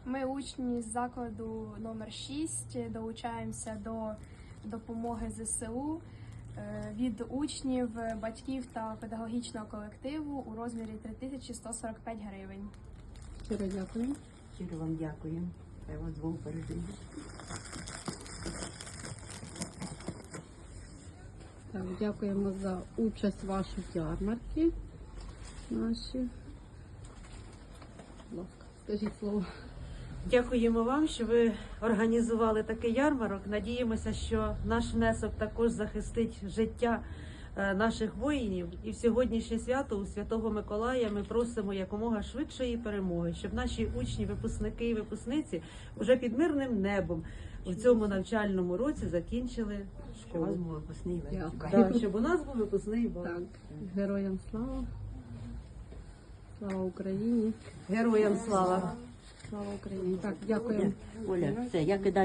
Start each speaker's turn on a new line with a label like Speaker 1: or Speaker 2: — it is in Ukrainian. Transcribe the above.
Speaker 1: Ми учні з закладу номер 6, долучаємося до допомоги ЗСУ від учнів, батьків та педагогічного колективу у розмірі 3145 гривень.
Speaker 2: Щиро дякую.
Speaker 3: Щиро вам дякую. Хай вас Бог бережить.
Speaker 2: Так, дякуємо за участь вашу в ярмарці наші. Будь ласка, скажіть слово.
Speaker 4: Дякуємо вам, що ви організували такий ярмарок. Надіємося, що наш внесок також захистить життя наших воїнів. І в сьогоднішнє свято у Святого Миколая ми просимо якомога швидшої перемоги, щоб наші учні, випускники і випускниці вже під мирним небом в цьому навчальному році закінчили
Speaker 3: Щоб у вас
Speaker 4: школу.
Speaker 3: був випускний вечір.
Speaker 2: Дякую.
Speaker 4: Так, щоб у нас був випускний бал.
Speaker 2: Так, героям слава. Слава Україні.
Speaker 4: Героям слава!
Speaker 2: Слава Україні. Так, дякуємо.
Speaker 3: Оля, все, я кидаю.